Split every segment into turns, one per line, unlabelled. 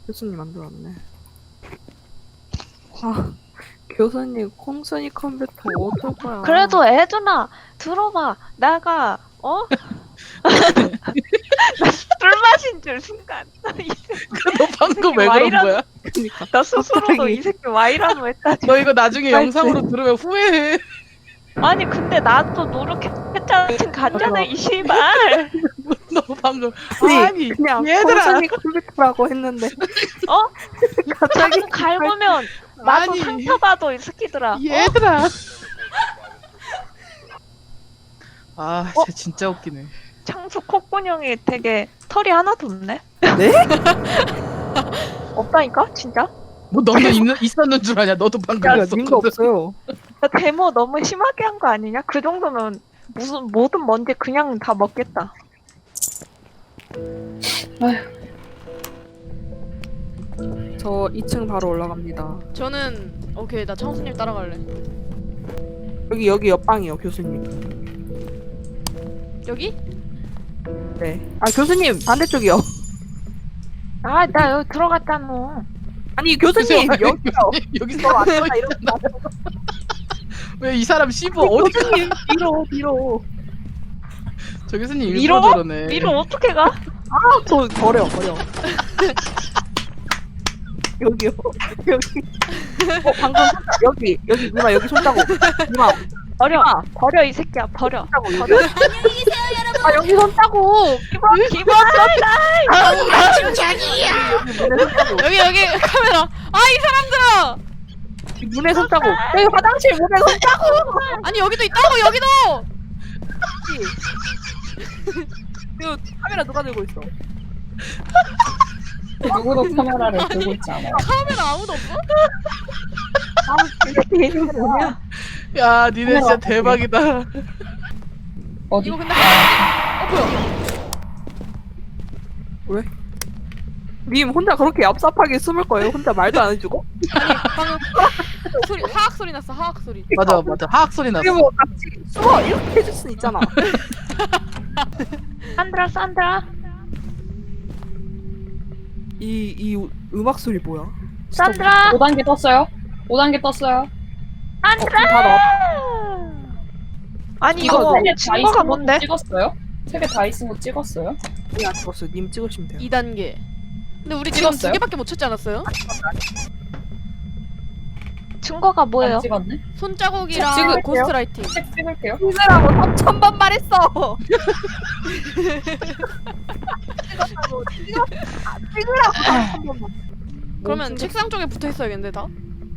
교수님 안 들어왔네. 아, 교수님 콩순이 컴퓨터 어쩔 거야.
그래도 애준아 들어봐. 내가 나 술 마신 줄 순간
너 방금 왜 그런 거야?
그러니까
나 스스로도
갑자기.
이 새끼 와이라노 했다.
너 이거 나중에
아이고.
영상으로 들으면 후회해.
아니 근데 나도 노력했잖아. 갔잖아 이 씨발.
너 방금
아니, 그냥
얘들아.
콩순이 컴퓨터라고 했는데
갑자기 갈구면 나도
아니.
상처받아 이 새끼들아.
얘들아. 아, 쟤 진짜 웃기네.
창수 콧구녕이 되게 털이 하나도 없네.
네?
없다니까 진짜?
뭐 너는 있었는 줄 아냐? 너도 방금
야,
있었거든.
님도 없어요.
나 데모 너무 심하게 한 거 아니냐? 그 정도면 무슨 모든 먼지 그냥 다 먹겠다.
저 2층 바로 올라갑니다.
저는 오케이 나 창수님 따라갈래.
여기 옆방이요, 교수님.
여기?
네. 아, 교수님 반대쪽이요.
아, 나 여기 들어갔잖아.
아니, 교수님
그죠?
여기요.
여기서
저
안
왔다 이러고
왜 이 사람 씹어 어디 가?
교수님 뒤로.
저 교수님
위로?
일부러 저러네.
위로 어떻게 가?
아, 저 버려. 여기요. 여기. 방금 여기 누나 여기 손자국. 누나
버려. 버려 이 새끼야. 버려.
손자국
버려.
여기. 아 여기 손자국.
기본
여기 카메라. 아 이 사람들아.
문에 손자국. 여기 화장실 문에 손자국.
아니 여기도 있다고 여기도.
이거 카메라 누가 들고 있어?
누구도 카메라를 들고 있지 않아요.
카메라 아무도 없어?
이게 뭐야?
야, 니네 진짜
카메라
대박이다.
어디?
이거 근데 뭐야?
님 혼자 그렇게 얍삽하게 숨을 거예요? 혼자 말도 안 해주고?
방금 소리 하악 소리 났어 하악 소리.
맞아. 하악 소리 났어.
그리고 같이 숨어 이렇게 해줄 순 있잖아.
산드라.
이 음악 소리 뭐야?
산드라.
5단계 떴어요? 5단계 떴어요.
산드라.
다 나와.
아니
이거
이거
세개 다
증거가
있은 거
뭔데?
찍었어요? 3개 다 있은 거 찍었어요?
안 찍었어요. 님 찍으시면 돼요.
2단계. 근데 우리 지금
찍었어요?
2개밖에 못 찾지 않았어요?
증거가 뭐예요?
안 찍었네?
손자국이랑
찍을게요.
고스트라이팅.
책 찍을게요.
찍으라고 3,000번 말했어. 찍으라고 3,000번.
그러면 책상 쪽에 붙어 있어야겠는데 다?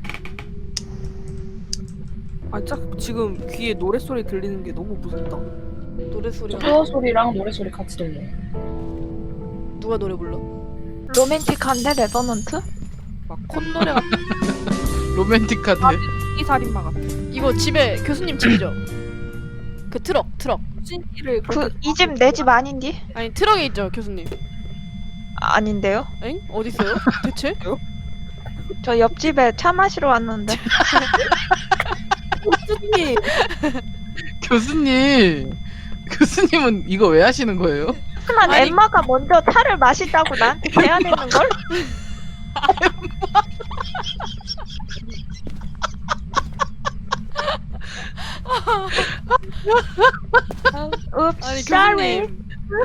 아, 짝 지금 귀에 노래 소리 들리는 게 너무 무섭다.
노래 소리가
수어 소리랑 노래 소리 같이 들려요.
누가 노래 불러?
로맨틱한데 레버넌트?
막 콧노래 같은
로맨틱하대.
이 살인마 같은.
이거 집에 교수님 집이죠? 그 트럭
찐이를
그 이 집 내 집 아닌디?
아니 트럭에 있죠 교수님.
아닌데요?
엥? 어디 있어요? 대체?
저 옆집에 차 마시러 왔는데.
찐이
교수님은 이거 왜 하시는 거예요?
하지만
아니-
엠마가 먼저 차를 마시자고 나한테 제안했는 걸? Oops,
아니
sorry.
교수님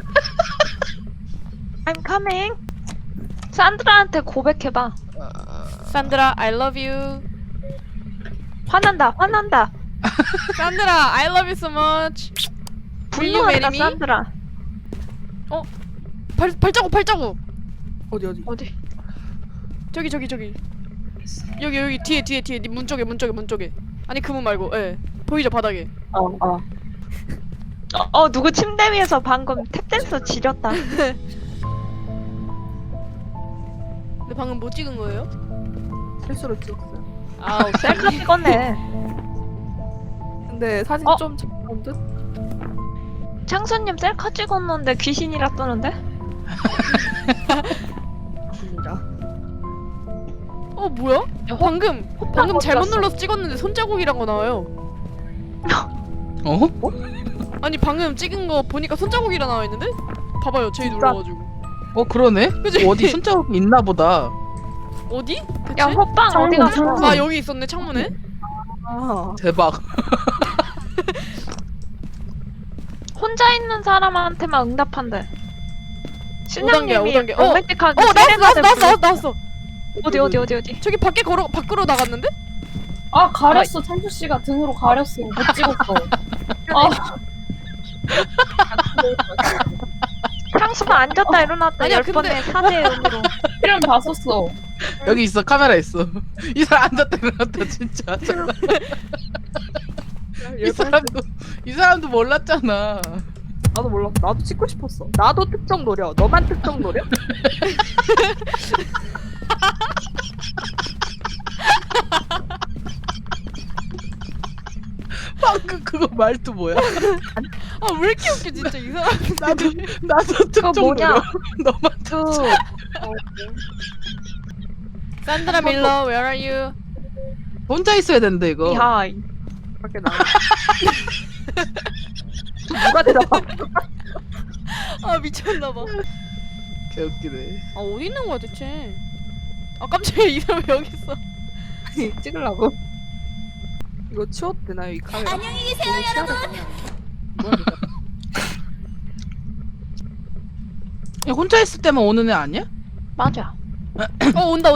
I'm coming. 산드라한테 고백해봐.
산드라 I love you.
화난다.
산드라 I love you so much. Will you marry
분노한다,
me?
산드라.
발자국
어디
어디?
저기 여기 뒤에 네 문 쪽에 아니 그 문 말고 예 보이죠 바닥에.
누구 침대 위에서 방금 탭댄서 지렸다.
근데 방금 뭐 찍은 거예요?
실수로 찍었어요.
아 오케이.
셀카 찍었네.
근데 사진
어?
좀 작은 듯?
창수님 셀카 찍었는데 귀신이라 뜨는데?
진짜.
뭐야? 방금
어디
잘못
갔어?
눌러서 찍었는데 손자국이란 거 나와요.
어?
아니 방금 찍은 거 보니까 손자국이라 나와 있는데? 봐봐요 제이
진짜?
눌러가지고.
그러네.
그치?
어디 손자국이 있나 보다.
어디? 대체?
야 호빵
창문,
어디 갔어?
창문.
아 여기 있었네 창문에.
아,
대박.
혼자 있는 사람한테만 응답한대. 신양님이
5단계야.
로맨틱하게
나왔어.
어디?
저기 밖으로 나갔는데?
아 가렸어. 창수 씨가 등으로 가렸어. 못 찍었어. 아
향수가 앉았다 일어났다
아니야,
10번의 사제의 의미로.
필름 다 썼어.
여기 있어. 카메라 있어. 이 사람 앉았다 일어났다 진짜. 이 사람도 몰랐잖아.
나도 몰랐어. 나도 찍고 싶었어. 나도 특정 노려. 너만 특정 노려?
방금 그거 말투 뭐야?
아 왜 이렇게 웃겨 진짜 이 사람.
나도 특정
뭐냐?
노려. 너만
산드라 밀러, where are you?
혼자 있어야 된대 이거.
미하이.
밖에 나. 누가 대답하?
아 미쳤나봐.
개웃기네.
아 어디 있는 거야 대체? 아 깜짝이야 이 사람 왜 여기 있어?
찍으려고. 이거 치워도 되나요 이 카메라? 안녕히 계세요 여러분.
야, 혼자 있을 때만 오는 애 아니야?
맞아.
온다.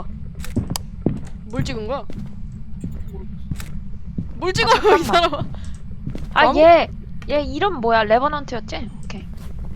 뭘 찍은 거야? 뭘 찍어요 이 사람?
아 얘 이름 뭐야? 레버넌트였지? 오케이.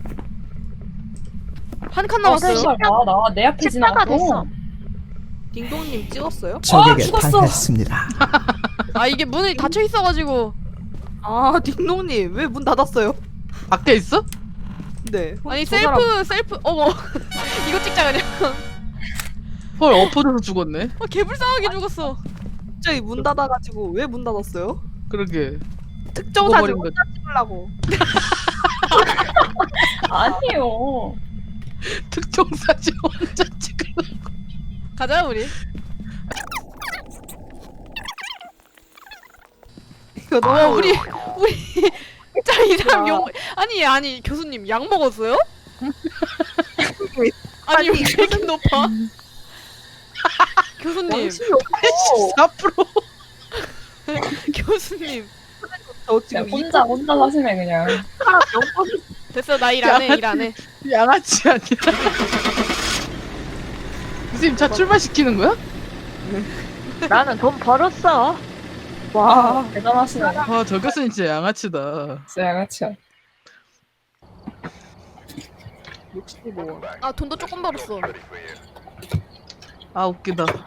한 칸
아
남았어요.
씨발 나내 앞에
14가
지나갔어.
됐어.
딩동님 찍었어요?
적에게
죽었어.
당했습니다.
아 이게 문이 닫혀 있어가지고.
아 딩동님 왜 문 닫았어요?
밖에 있어?
네.
아니
저 사람
셀프 어머 이거 찍자 그냥.
헐 엎어져서 죽었네.
개불쌍하게 죽었어.
갑자기 문 닫아가지고 왜 문 닫았어요?
그러게.
특정 사진
죽어버린
혼자 찍으려고.
아니요.
특정 사진 혼자 찍으려.
가자 우리.
이거 너무
우리 진짜 이 사람 용 아니 교수님 약 먹었어요? 아니 왜 이렇게 높아? 교수님
양심이 없어.
4%.
교수님
저
그냥
지금
혼자 사시네 그냥.
사람 영범이
됐어 나 일 안 해.
양아치 아니야. 선생님 차 출발시키는 거야?
나는 돈 벌었어.
와.
대단하시네.
아, 저 교수님 진짜 양아치다.
진짜 양아치야.
65원.
아 돈도 조금 벌었어.
아, 웃기다.